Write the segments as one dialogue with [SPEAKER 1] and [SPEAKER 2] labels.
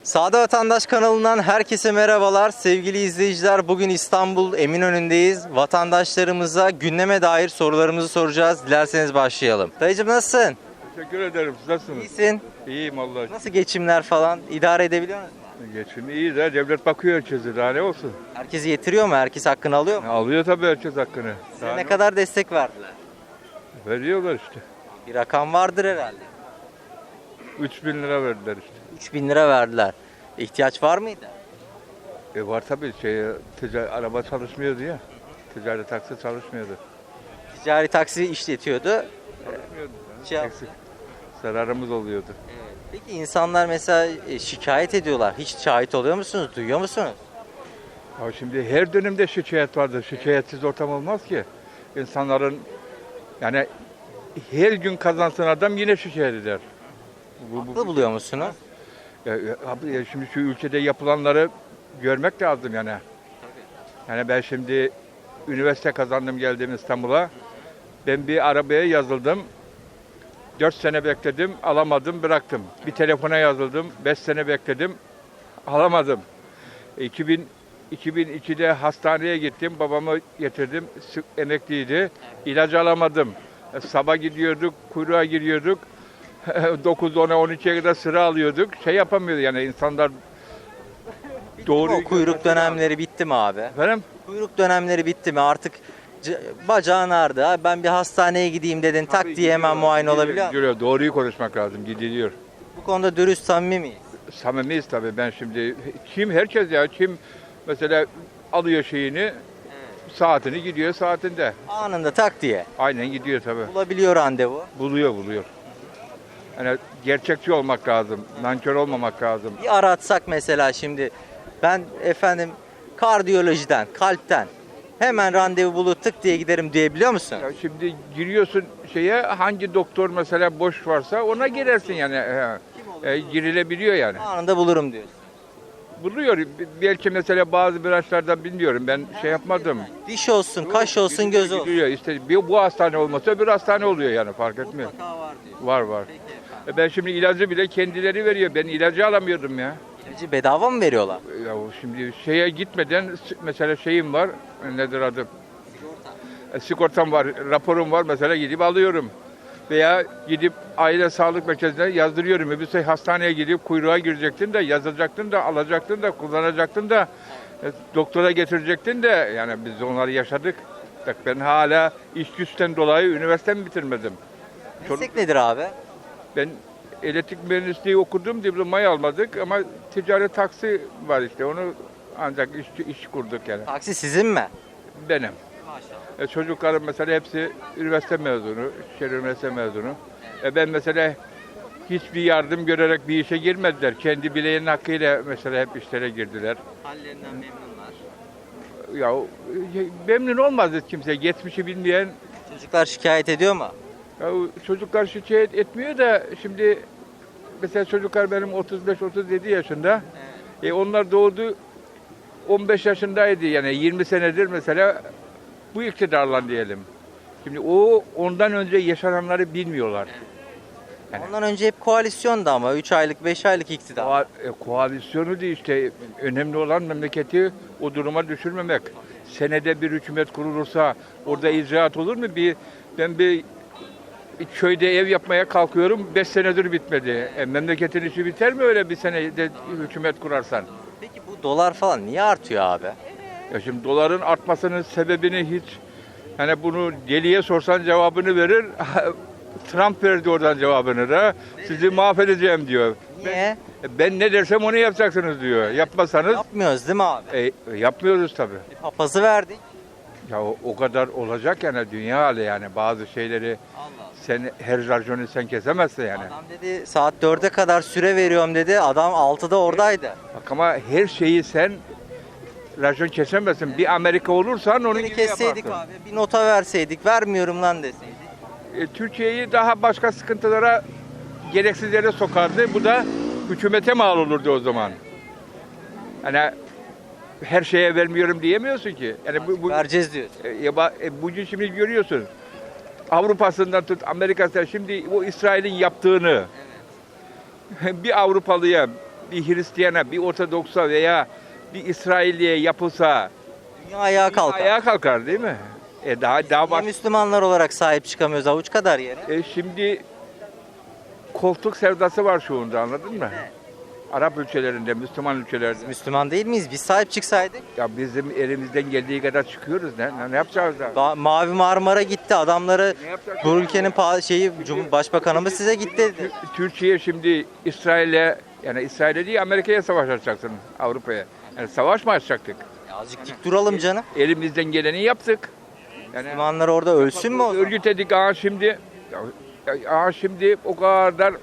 [SPEAKER 1] Sade Vatandaş kanalından herkese merhabalar. Sevgili izleyiciler, bugün İstanbul Eminönü'ndeyiz. Vatandaşlarımıza gündeme dair sorularımızı soracağız. Dilerseniz başlayalım. Dayıcım nasılsın?
[SPEAKER 2] Teşekkür ederim. Siz nasılsınız?
[SPEAKER 1] İyisin.
[SPEAKER 2] İyiyim Allah.
[SPEAKER 1] Nasıl geçimler falan? İdare edebiliyor musun?
[SPEAKER 2] Geçim iyi de devlet bakıyor herkese. Daha ne olsun?
[SPEAKER 1] Herkes yetiriyor mu? Herkes hakkını alıyor mu?
[SPEAKER 2] Alıyor tabii herkes hakkını.
[SPEAKER 1] Size
[SPEAKER 2] Daha
[SPEAKER 1] ne
[SPEAKER 2] ne
[SPEAKER 1] kadar destek verdiler?
[SPEAKER 2] veriyorlar işte.
[SPEAKER 1] Bir rakam vardır herhalde.
[SPEAKER 2] 3.000 lira verdiler işte.
[SPEAKER 1] 3.000 lira verdiler. İhtiyaç var mıydı?
[SPEAKER 2] Var tabii araba çalışmıyordu ya. Ticari taksi çalışmıyordu.
[SPEAKER 1] Ticari taksi işletiyordu.
[SPEAKER 2] Çalışmıyordu.
[SPEAKER 1] Şey yaptı.
[SPEAKER 2] Eksik. Zararımız oluyordu.
[SPEAKER 1] Evet. Peki insanlar mesela şikayet ediyorlar. Hiç şahit oluyor musunuz? Duyuyor musunuz?
[SPEAKER 2] Ya şimdi her dönemde şikayet vardır. Şikayetsiz ortam olmaz ki. İnsanların yani her gün kazansın adam yine şikayet eder.
[SPEAKER 1] Haklı buluyor musunuz?
[SPEAKER 2] Abi şimdi şu ülkede yapılanları görmek lazım yani. Yani ben şimdi üniversite kazandım geldim İstanbul'a. Ben bir arabaya yazıldım. 4 sene bekledim, alamadım, bıraktım. Bir telefona yazıldım, 5 sene bekledim, alamadım. 2002'de hastaneye gittim, babamı getirdim, emekliydi. İlacı alamadım. Sabah gidiyorduk, kuyruğa giriyorduk. 9, 10'a, 12'ye kadar sıra alıyorduk. Şey yapamıyordu yani insanlar doğru.
[SPEAKER 1] O kuyruk dönemleri bitti mi abi?
[SPEAKER 2] Efendim?
[SPEAKER 1] Kuyruk dönemleri bitti mi? Artık bacağın ağrıdı. Abi ben bir hastaneye gideyim dedin. Tak diye hemen muayene olabiliyor mu?
[SPEAKER 2] Gidiliyor. Doğruyu konuşmak lazım. Gidiliyor.
[SPEAKER 1] Bu konuda dürüst, samimi miyiz?
[SPEAKER 2] Samimiyiz tabii. Ben şimdi herkes ya kim mesela alıyor şeyini saatini gidiyor saatinde.
[SPEAKER 1] Anında tak diye.
[SPEAKER 2] Aynen gidiyor tabii.
[SPEAKER 1] Bulabiliyor randevu.
[SPEAKER 2] Buluyor. Yani gerçekçi olmak lazım. Nankör olmamak lazım.
[SPEAKER 1] Bir aratsak mesela şimdi ben efendim kardiyolojiden, kalpten hemen randevu bulup tık diye giderim diyebiliyor musun?
[SPEAKER 2] Ya şimdi giriyorsun şeye hangi doktor mesela boş varsa ona girersin yani. Girilebiliyor yani.
[SPEAKER 1] Anında bulurum diyorsun.
[SPEAKER 2] Buluyor. Belki mesela bazı branşlardan bilmiyorum. Ben şey yapmadım.
[SPEAKER 1] Diş olsun, kaş olsun, göz olsun.
[SPEAKER 2] Gidiyor. İşte bu hastane olmasa bir hastane oluyor yani fark etmiyor.
[SPEAKER 1] Mutlaka var diyor.
[SPEAKER 2] Var. Ben şimdi ilacı bile kendileri veriyor. Ben ilacı alamıyordum ya.
[SPEAKER 1] İlacı bedava mı veriyorlar?
[SPEAKER 2] Ya şimdi şeye gitmeden mesela şeyim var. Nedir adı? Sigortam var, raporum var mesela gidip alıyorum. Veya gidip aile sağlık merkezine yazdırıyorum. Bir hastaneye gidip kuyruğa girecektin de yazılacaktın da alacaktın da kullanacaktın da doktora getirecektin de yani biz onları yaşadık. Bak ben hala iş güçten dolayı üniversitemi bitirmedim.
[SPEAKER 1] Meslek nedir abi?
[SPEAKER 2] Ben elektrik mühendisliği okudum, diplomayı almadık ama ticari taksi var işte onu ancak iş kurduk yani.
[SPEAKER 1] Taksi sizin mi?
[SPEAKER 2] Benim.
[SPEAKER 1] Maşallah.
[SPEAKER 2] Çocuklarım mesela hepsi üniversite mezunu, şehir üniversite mezunu. Ben mesela hiçbir yardım görerek bir işe girmediler. Kendi bileğinin hakkıyla mesela hep işlere girdiler.
[SPEAKER 1] Hallerinden memnunlar.
[SPEAKER 2] Ya memnun olmazdı kimse, geçmişi bilmeyen.
[SPEAKER 1] Çocuklar şikayet ediyor mu?
[SPEAKER 2] Ya, çocuklar şikayet etmiyor da şimdi mesela çocuklar benim 35-37 yaşında. Onlar doğdu 15 yaşındaydı yani 20 senedir mesela bu iktidarla diyelim. Şimdi ondan önce yaşananları bilmiyorlar. Yani,
[SPEAKER 1] Ondan önce hep koalisyondu ama 3 aylık 5 aylık iktidar.
[SPEAKER 2] koalisyonu değil işte önemli olan memleketi o duruma düşürmemek. Senede bir hükümet kurulursa orada icraat olur mu? Ben bir köyde ev yapmaya kalkıyorum 5 senedir bitmedi. Memleketin işi biter mi öyle bir senede hükümet kurarsan?
[SPEAKER 1] Peki bu dolar falan niye artıyor abi?
[SPEAKER 2] Ya şimdi doların artmasının sebebini hiç hani bunu deliye sorsan cevabını verir. Trump verdi oradan cevabını da. Sizi mahvedeceğim diyor.
[SPEAKER 1] Niye?
[SPEAKER 2] Ben ne dersem onu yapacaksınız diyor. Yapmasanız
[SPEAKER 1] Yapmıyoruz değil mi abi?
[SPEAKER 2] yapmıyoruz tabii.
[SPEAKER 1] Bir papazı verdik.
[SPEAKER 2] Ya o kadar olacak yani dünya hali yani bazı şeyleri sen her raconu sen kesemezsin yani.
[SPEAKER 1] Adam dedi saat 4'e kadar süre veriyorum dedi. Adam 6'da oradaydı.
[SPEAKER 2] Bak ama her şeyi sen racon kesemezsin. Bir Amerika olursan onun
[SPEAKER 1] Geri
[SPEAKER 2] gibi
[SPEAKER 1] kesseydik
[SPEAKER 2] yaparsın.
[SPEAKER 1] abi. Bir nota verseydik. Vermiyorum lan deseydik.
[SPEAKER 2] Türkiye'yi daha başka sıkıntılara, gereksiz yere sokardı. Bu da hükümete mal olurdu o zaman. Hani her şeye vermiyorum diyemiyorsun ki. Yani
[SPEAKER 1] Vereceğiz diyorsun.
[SPEAKER 2] bugün şimdi görüyorsun. Avrupa'sından tut Amerika'sından şimdi o İsrail'in yaptığını bir Avrupalıya bir Hristiyana, bir Ortodoks'a veya bir İsrailliye yapılsa
[SPEAKER 1] Dünya ayağa kalkar.
[SPEAKER 2] ayağa kalkar değil mi? Daha
[SPEAKER 1] Niye
[SPEAKER 2] baş...
[SPEAKER 1] Müslümanlar olarak sahip çıkamıyoruz avuç kadar yere?
[SPEAKER 2] Şimdi koltuk sevdası var şu anda, anladın mı? Arap ülkelerinde, Müslüman ülkelerde.
[SPEAKER 1] Müslüman değil miyiz? Biz sahip çıksaydık.
[SPEAKER 2] Ya bizim elimizden geldiği kadar çıkıyoruz. Ne yapacağız da?
[SPEAKER 1] Mavi Marmara gitti. Adamları
[SPEAKER 2] Ne yapacak?
[SPEAKER 1] bu ülkenin başbakanımız size gitti dedi.
[SPEAKER 2] Türkiye şimdi İsrail'e, yani İsrail'e değil Amerika'ya savaş açacaksın, Avrupa'ya. Yani savaş mı açacaktık?
[SPEAKER 1] Azıcık dik duralım canım.
[SPEAKER 2] Elimizden geleni yaptık. Yani
[SPEAKER 1] Müslümanlar orada ölsün mü o zaman?
[SPEAKER 2] örgütledik şimdi o kadar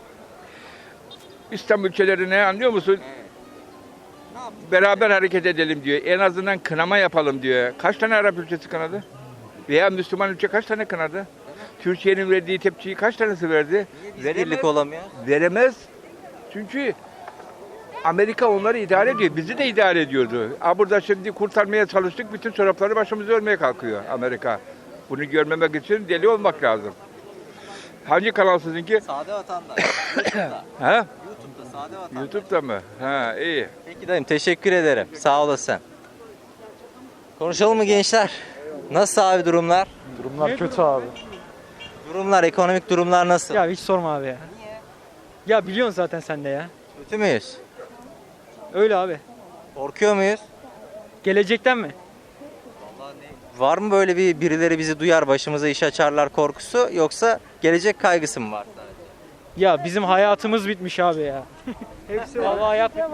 [SPEAKER 2] İslam ülkelerine, anlıyor musun? Beraber hareket edelim diyor. En azından kınama yapalım diyor. Kaç tane Arap ülkesi kınadı? Veya Müslüman ülke kaç tane kınadı? Türkiye'nin verdiği tepkiyi kaç tanesi verdi?
[SPEAKER 1] Biz birlik olamıyor.
[SPEAKER 2] Veremez. Çünkü Amerika onları idare ediyor. Bizi de idare ediyordu. Burada şimdi kurtarmaya çalıştık. Bütün çorapları başımıza örmeye kalkıyor Amerika. Bunu görmemek için deli olmak lazım. Hangi kanal sizinki?
[SPEAKER 1] Sade vatandaş. YouTube'da.
[SPEAKER 2] Ha?
[SPEAKER 1] YouTube'da sade vatandaş.
[SPEAKER 2] YouTube'da mı? Ha, iyi.
[SPEAKER 1] Peki dayım teşekkür ederim. Sağ olasın. Konuşalım mı gençler? Nasıl abi durumlar?
[SPEAKER 3] Durumlar kötü abi.
[SPEAKER 1] Durumlar, ekonomik durumlar nasıl?
[SPEAKER 3] Ya hiç sorma abi ya. Ya biliyorsun zaten sen de ya.
[SPEAKER 1] Kötü müyüz?
[SPEAKER 3] Öyle abi.
[SPEAKER 1] Korkuyor muyuz?
[SPEAKER 3] Gelecekten mi?
[SPEAKER 1] Var mı böyle birileri bizi duyar başımıza iş açarlar korkusu yoksa gelecek kaygısı mı var?
[SPEAKER 3] Ya bizim hayatımız bitmiş abi ya. Hepsi vallahi hayat bitmiş.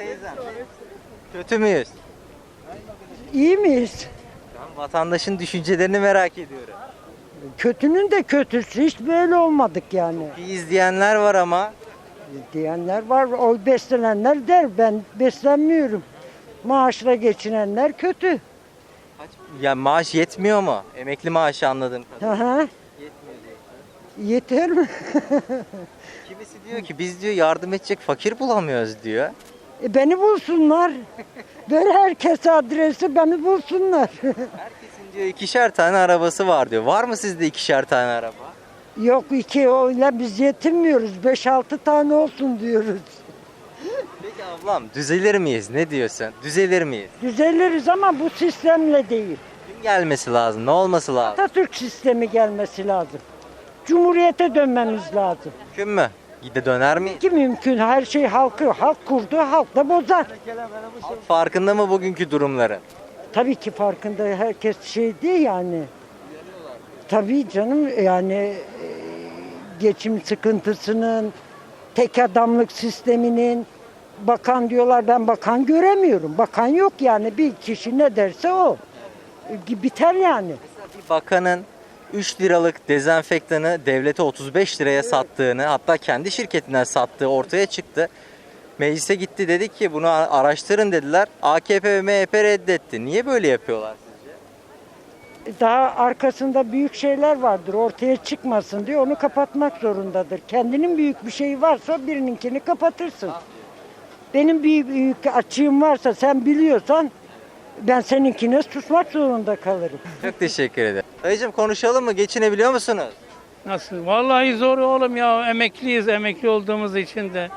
[SPEAKER 1] Kötü müyüz?
[SPEAKER 4] İyi miyiz?
[SPEAKER 1] Ben vatandaşın düşüncelerini merak ediyorum.
[SPEAKER 4] Kötünün de kötüsü. Hiç böyle olmadık yani.
[SPEAKER 1] Bir izleyenler var ama
[SPEAKER 4] Diyenler var. O beslenenler der. Ben beslenmiyorum. Maaşla geçinenler kötü.
[SPEAKER 1] ya maaş yetmiyor mu? Emekli maaşı anladım.
[SPEAKER 4] Hı. Yeter mi?
[SPEAKER 1] Kimisi diyor ki biz diyor yardım edecek fakir bulamıyoruz diyor.
[SPEAKER 4] Beni bulsunlar. Ver herkese adresi, beni bulsunlar.
[SPEAKER 1] Herkesin diyor ikişer tane arabası var diyor. Var mı sizde ikişer tane araba?
[SPEAKER 4] Yok iki öyle biz yetinmiyoruz. 5-6 tane olsun diyoruz.
[SPEAKER 1] Peki ablam düzelir miyiz? Ne diyorsun? Düzelir miyiz?
[SPEAKER 4] Düzeliriz ama bu sistemle değil.
[SPEAKER 1] Kim gelmesi lazım? Ne olması lazım?
[SPEAKER 4] Atatürk sistemi gelmesi lazım. Cumhuriyete dönmemiz lazım.
[SPEAKER 1] Mümkün mü? Gide döner miyiz?
[SPEAKER 4] Ki mümkün her şey halk kurdu, halk da bozar.
[SPEAKER 1] Halk farkında mı bugünkü durumları?
[SPEAKER 4] Tabii ki farkında herkes şey değil yani. Tabii canım yani geçim sıkıntısının, tek adamlık sisteminin, bakan diyorlar ben bakan göremiyorum. Bakan yok yani bir kişi ne derse o. Biter yani.
[SPEAKER 1] Bir bakanın 3 liralık dezenfektanı devlete 35 liraya sattığını hatta kendi şirketinden sattığı ortaya çıktı. Meclise gitti dedi ki bunu araştırın dediler. AKP ve MHP reddetti. Niye böyle yapıyorlar sizce?
[SPEAKER 4] Daha arkasında büyük şeyler vardır ortaya çıkmasın diye onu kapatmak zorundadır. Kendinin büyük bir şeyi varsa birininkini kapatırsın. Benim büyük açığım varsa sen biliyorsan ben seninkine susmak zorunda kalırım.
[SPEAKER 1] Çok teşekkür ederim. Dayıcım konuşalım mı? Geçinebiliyor musunuz?
[SPEAKER 5] Nasıl? Vallahi zor oğlum ya. Emekliyiz. Emekli olduğumuz için de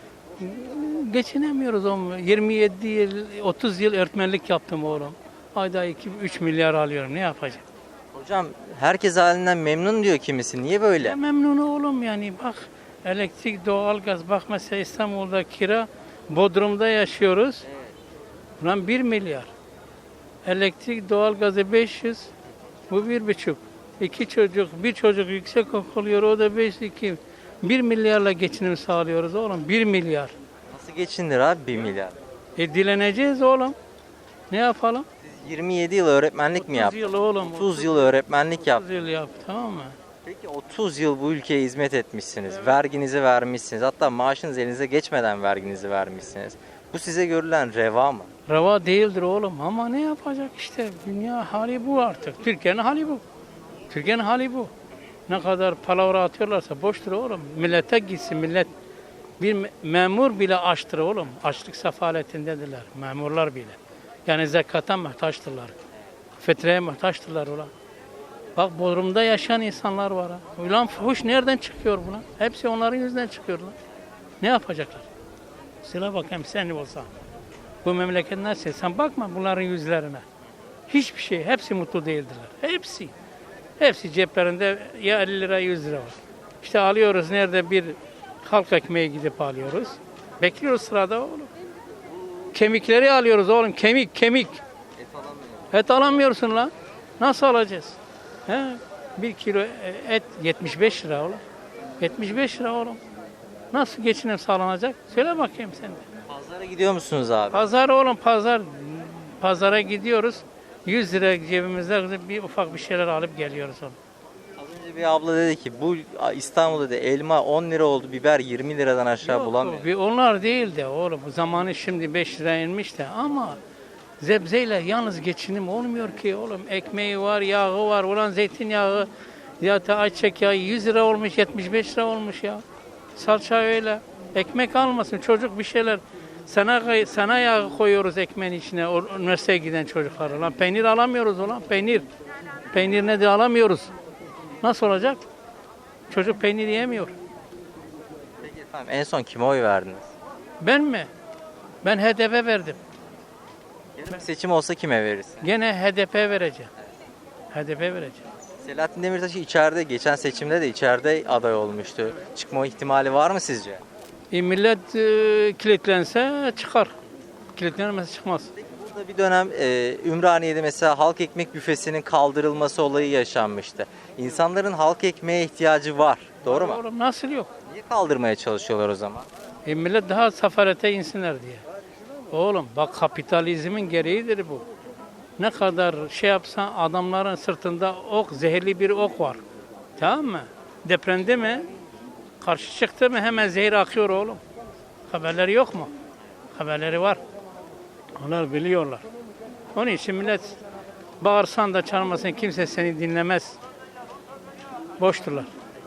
[SPEAKER 5] geçinemiyoruz oğlum. 27 yıl, 30 yıl öğretmenlik yaptım oğlum. Ayda 2-3 milyar alıyorum. Ne yapacağım?
[SPEAKER 1] Hocam herkes halinden memnun diyor kimisi. Niye böyle?
[SPEAKER 5] Ya memnun oğlum yani. Bak elektrik, doğalgaz. Bak mesela İstanbul'da kira. Bodrum'da yaşıyoruz. Ulan 1 milyar. Elektrik, doğalgazı 500. Bu 1,5. 2 çocuk, bir çocuk yüksek okuluyor. O da 5-2. 1 milyarla geçinim sağlıyoruz oğlum. 1 milyar.
[SPEAKER 1] Nasıl geçinir abi 1 milyar?
[SPEAKER 5] Dileneceğiz oğlum. Ne yapalım?
[SPEAKER 1] 27 yıl öğretmenlik mi
[SPEAKER 5] 30
[SPEAKER 1] yaptın?
[SPEAKER 5] yıl oğlum.
[SPEAKER 1] 30 yıl öğretmenlik
[SPEAKER 5] 30
[SPEAKER 1] yaptın.
[SPEAKER 5] yıl yap, tamam mı?
[SPEAKER 1] Peki 30 yıl bu ülkeye hizmet etmişsiniz. Verginizi vermişsiniz. Hatta maaşınız elinize geçmeden verginizi vermişsiniz. Bu size görülen reva mı?
[SPEAKER 5] Reva değildir oğlum ama ne yapacak işte. Dünya hali bu artık. Türkiye'nin hali bu. Türkiye'nin hali bu. Ne kadar palavra atıyorlarsa boştur oğlum. Millete gitsin millet. Bir memur bile açtır oğlum. Açlık sefaletindedirler. Memurlar bile. Yani zekata muhtaçtırlar. Fitreye muhtaçtırlar ulan. Bak Bodrum'da yaşayan insanlar var ha. Ulan fuhuş nereden çıkıyor buna? Hepsi onların yüzünden çıkıyor lan. Ne yapacaklar? Söyle bakayım sen olsan. Bu memleket nasıl? Sen bakma bunların yüzlerine. Hiçbir şey. Hepsi mutlu değildiler. Hepsi. Hepsi ceplerinde ya 50 lira 100 lira var. İşte alıyoruz nerede bir halk ekmeği gidip alıyoruz. Bekliyoruz sırada oğlum. Kemikleri alıyoruz oğlum. Kemik. Et alamıyorsun lan. Nasıl alacağız? He? 1 kilo et 75 lira oğlum. 75 lira oğlum. Nasıl geçinim sağlanacak? Söyle bakayım sen de.
[SPEAKER 1] Pazara gidiyor musunuz abi?
[SPEAKER 5] Pazar oğlum pazar. Pazara gidiyoruz. 100 lira cebimizde bir ufak bir şeyler alıp geliyoruz oğlum.
[SPEAKER 1] Az önce bir abla dedi ki bu İstanbul'da da elma 10 lira oldu, biber 20 liradan aşağı bulamıyor.
[SPEAKER 5] Onlar değil de oğlum. Bu zamanı şimdi 5 lira inmiş de ama zebzeyle yalnız geçinim olmuyor ki oğlum. Ekmeği var, yağı var. Ulan zeytinyağı ya da ayçiçek yağı 100 lira olmuş, 75 lira olmuş ya. Salça öyle. Ekmek almasın çocuk bir şeyler. Sana yağı koyuyoruz ekmeğin içine üniversiteye giden çocuklara. Lan peynir alamıyoruz ulan peynir. Peynir nedir alamıyoruz. Nasıl olacak? Çocuk peynir yemiyor.
[SPEAKER 1] Peki efendim en son kime oy verdiniz?
[SPEAKER 5] Ben mi? Ben HDP verdim.
[SPEAKER 1] Yarın bir seçim olsa kime verirsin?
[SPEAKER 5] Gene HDP vereceğim. HDP vereceğim.
[SPEAKER 1] Selahattin Demirtaş içeride, geçen seçimde de içeride aday olmuştu. Çıkma ihtimali var mı sizce?
[SPEAKER 5] Millet kilitlense çıkar. Kilitlenmezse çıkmaz.
[SPEAKER 1] Burada bir dönem Ümraniye'de mesela halk ekmek büfesinin kaldırılması olayı yaşanmıştı. İnsanların halk ekmeğe ihtiyacı var. Doğru mu?
[SPEAKER 5] Oğlum nasıl yok?
[SPEAKER 1] Niye kaldırmaya çalışıyorlar o zaman?
[SPEAKER 5] Millet daha safarete insinler diye. Oğlum bak kapitalizmin gereğidir bu. Ne kadar şey yapsan adamların sırtında ok, zehirli bir ok var. Tamam mı? Depremde mi? Karşı çıktı mı hemen zehir akıyor oğlum. Haberleri yok mu? Haberleri var. Onlar biliyorlar. Onun için millet bağırsan da çağırmasan kimse seni dinlemez. Boşturlar.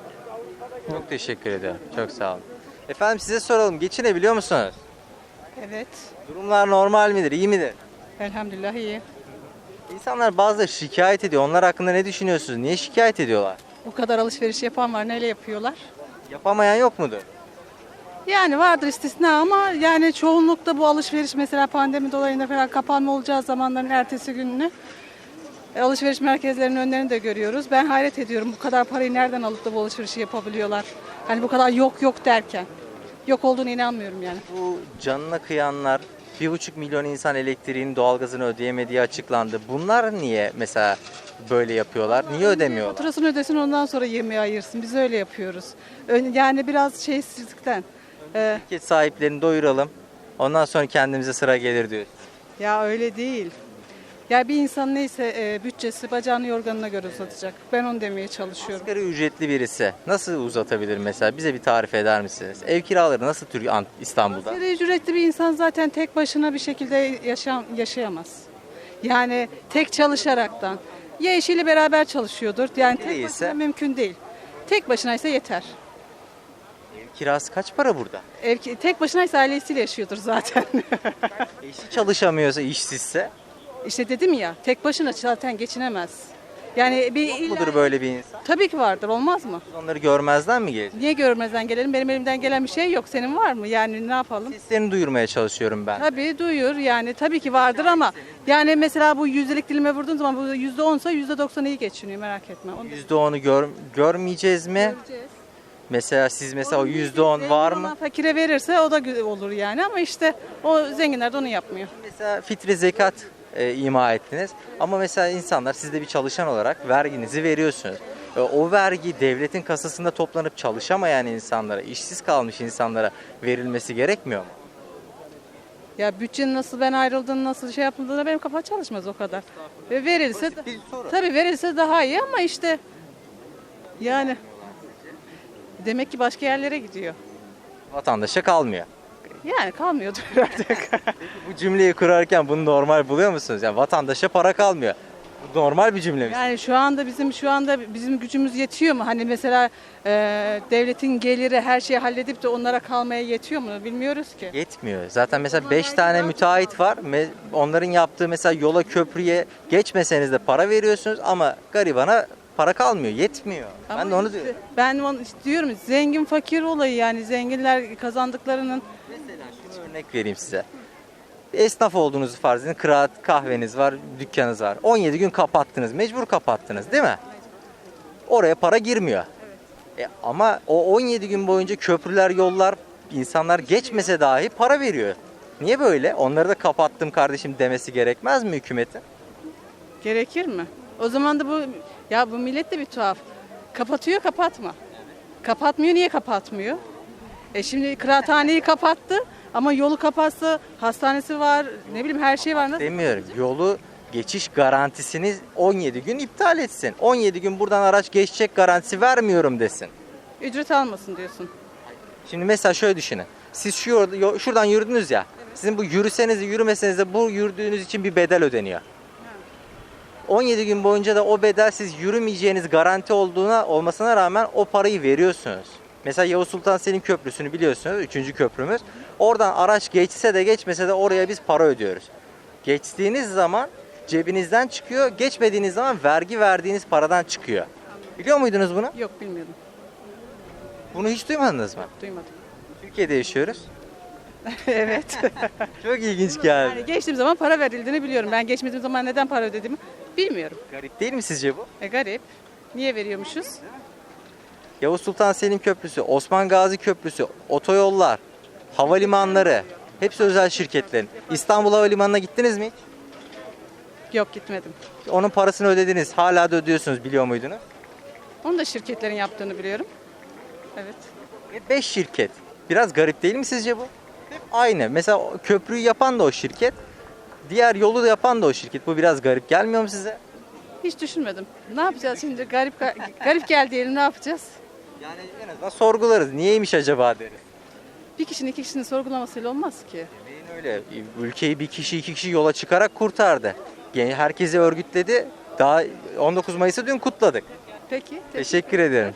[SPEAKER 1] Çok teşekkür ediyorum. Çok sağ olun. Efendim size soralım. Geçinebiliyor musunuz?
[SPEAKER 6] Evet,
[SPEAKER 1] Durumlar normal midir? İyi midir?
[SPEAKER 6] elhamdülillah iyi.
[SPEAKER 1] İnsanlar bazıları şikayet ediyor. Onlar hakkında ne düşünüyorsunuz? Niye şikayet ediyorlar?
[SPEAKER 6] O kadar alışveriş yapan var, neyle yapıyorlar?
[SPEAKER 1] Yapamayan yok mudur?
[SPEAKER 6] Yani vardır istisna ama yani çoğunlukta bu alışveriş mesela pandemi dolayında falan kapanma olacağı zamanların ertesi gününü alışveriş merkezlerinin önlerini de görüyoruz. Ben hayret ediyorum bu kadar parayı nereden alıp da bu alışverişi yapabiliyorlar? Hani bu kadar yok derken. Yok olduğunu inanmıyorum yani.
[SPEAKER 1] Bu canına kıyanlar, 1,5 milyon insan elektriğini, doğalgazını ödeyemediği açıklandı. Bunlar niye mesela böyle yapıyorlar? Niye ödemiyorlar?
[SPEAKER 6] Faturasını ödesin ondan sonra yemeği ayırsın. Biz öyle yapıyoruz. Yani biraz şeysizlikten.
[SPEAKER 1] Şirket sahiplerini doyuralım. Ondan sonra kendimize sıra gelir diyor.
[SPEAKER 6] Ya öyle değil. Ya bir insan neyse bütçesi bacağını yorganına göre uzatacak. Ben onu demeye çalışıyorum.
[SPEAKER 1] Asgari ücretli birisi nasıl uzatabilir mesela? Bize bir tarif eder misiniz? Ev kiraları nasıl İstanbul'da?
[SPEAKER 6] Asgari ücretli bir insan zaten tek başına bir şekilde yaşayamaz. Yani tek çalışaraktan. Ya eşiyle beraber çalışıyordur. Yani tek
[SPEAKER 1] Değilse?
[SPEAKER 6] başına mümkün değil. Tek başınaysa yeter.
[SPEAKER 1] Ev kirası kaç para burada?
[SPEAKER 6] Tek başınaysa ailesiyle yaşıyordur zaten.
[SPEAKER 1] Eşi çalışamıyorsa, işsizse
[SPEAKER 6] İşte dedim ya tek başına zaten geçinemez. Yani bir
[SPEAKER 1] mudur böyle bir insan?
[SPEAKER 6] Tabii ki vardır olmaz mı?
[SPEAKER 1] Biz onları görmezden mi gelecek?
[SPEAKER 6] Niye görmezden gelelim? Benim elimden gelen bir şey yok. Senin var mı? Yani ne yapalım?
[SPEAKER 1] Seslerini duyurmaya çalışıyorum ben.
[SPEAKER 6] Tabii duyur yani tabii ki vardır ama yani mesela bu yüzdelik dilime vurduğun zaman bu %10'sa %90 iyi geçiniyor merak etme. Onu
[SPEAKER 1] %10'u görmeyeceğiz mi? Mesela siz mesela o %10 var mı?
[SPEAKER 6] Fakire verirse o da olur yani ama işte o zenginler de onu yapmıyor.
[SPEAKER 1] Mesela fitre zekat ima ettiniz. Ama mesela insanlar siz de bir çalışan olarak verginizi veriyorsunuz. O vergi devletin kasasında toplanıp çalışamayan insanlara, işsiz kalmış insanlara verilmesi gerekmiyor mu?
[SPEAKER 6] Ya bütçenin nasıl ben ayrıldığını nasıl şey yapıldığını benim kafa çalışmaz o kadar. Ve verilse
[SPEAKER 1] Basit bir soru.
[SPEAKER 6] tabii verilse daha iyi ama işte yani demek ki başka yerlere gidiyor.
[SPEAKER 1] Vatandaşa kalmıyor.
[SPEAKER 6] Yani kalmıyordur herhalde.
[SPEAKER 1] Bu cümleyi kurarken bunu normal buluyor musunuz? Yani vatandaşa para kalmıyor. Bu normal bir cümle mi?
[SPEAKER 6] Yani şu anda bizim gücümüz yetiyor mu? Hani mesela devletin geliri her şeyi halledip de onlara kalmaya yetiyor mu? Bilmiyoruz ki.
[SPEAKER 1] Yetmiyor. Zaten mesela 5 tane müteahhit var. Onların yaptığı mesela yola, köprüye geçmeseniz de para veriyorsunuz ama garibana para kalmıyor. Yetmiyor.
[SPEAKER 6] Ama
[SPEAKER 1] Ben de onu
[SPEAKER 6] işte
[SPEAKER 1] diyorum.
[SPEAKER 6] Ben onu işte diyorum zengin fakir olayı yani zenginler kazandıklarının
[SPEAKER 1] Örnek vereyim size. Esnaf olduğunuzu farz edin. Kıraat kahveniz var, dükkanınız var. 17 gün kapattınız. Mecbur kapattınız değil mi? Oraya para girmiyor. Ama o 17 gün boyunca köprüler, yollar, insanlar geçmese dahi para veriyor. Niye böyle? Onları da kapattım kardeşim demesi gerekmez mi hükümetin?
[SPEAKER 6] Gerekir mi? O zaman da bu millet de bir tuhaf. Kapatıyor, kapatma. Kapatmıyor, niye kapatmıyor? Şimdi kıraathaneyi kapattı ama yolu kapatsa hastanesi var, ne bileyim her şey var. Nasıl?
[SPEAKER 1] Demiyorum. Yolu geçiş garantisini 17 gün iptal etsin. 17 gün buradan araç geçecek garantisi vermiyorum desin.
[SPEAKER 6] Ücret almasın diyorsun.
[SPEAKER 1] Şimdi mesela şöyle düşünün. Siz şuradan yürüdünüz ya. Sizin bu yürüseniz de yürümeseniz de bu yürüdüğünüz için bir bedel ödeniyor. 17 gün boyunca da o bedel siz yürümeyeceğiniz garanti olmasına rağmen o parayı veriyorsunuz. Mesela Yavuz Sultan Selim Köprüsü'nü biliyorsunuz. 3. köprümüz. Oradan araç geçse de geçmese de oraya biz para ödüyoruz. Geçtiğiniz zaman cebinizden çıkıyor. Geçmediğiniz zaman vergi verdiğiniz paradan çıkıyor. Biliyor muydunuz bunu?
[SPEAKER 6] Yok bilmiyordum.
[SPEAKER 1] Bunu hiç duymadınız mı?
[SPEAKER 6] Duymadım.
[SPEAKER 1] Türkiye'de yaşıyoruz.
[SPEAKER 6] Evet.
[SPEAKER 1] Çok ilginç geldi.
[SPEAKER 6] Yani geçtiğim zaman para verildiğini biliyorum. Ben geçmediğim zaman neden para ödediğimi bilmiyorum.
[SPEAKER 1] Garip değil mi sizce bu?
[SPEAKER 6] Garip. Niye veriyormuşuz?
[SPEAKER 1] Yavuz Sultan Selim Köprüsü, Osman Gazi Köprüsü, otoyollar, havalimanları hepsi özel şirketlerin. İstanbul Havalimanı'na gittiniz mi hiç?
[SPEAKER 6] Yok gitmedim.
[SPEAKER 1] Onun parasını ödediniz. Hala da ödüyorsunuz biliyor muydunuz?
[SPEAKER 6] Onu da şirketlerin yaptığını biliyorum. Evet.
[SPEAKER 1] 5 şirket. Biraz garip değil mi sizce bu? Hep aynı. Mesela köprüyü yapan da o şirket. Diğer yolu da yapan da o şirket. Bu biraz garip gelmiyor mu size?
[SPEAKER 6] Hiç düşünmedim. Ne yapacağız şimdi? Garip geldi diyelim, ne yapacağız?
[SPEAKER 1] Yani en azından sorgularız. Niyeymiş acaba deriz.
[SPEAKER 6] Bir kişinin iki kişinin sorgulamasıyla olmaz ki.
[SPEAKER 1] Demeyin öyle. Ülkeyi bir kişi iki kişi yola çıkarak kurtardı. Yani herkesi örgütledi. Daha 19 Mayıs'ı dün kutladık.
[SPEAKER 6] Peki.
[SPEAKER 1] Teşekkür ederim.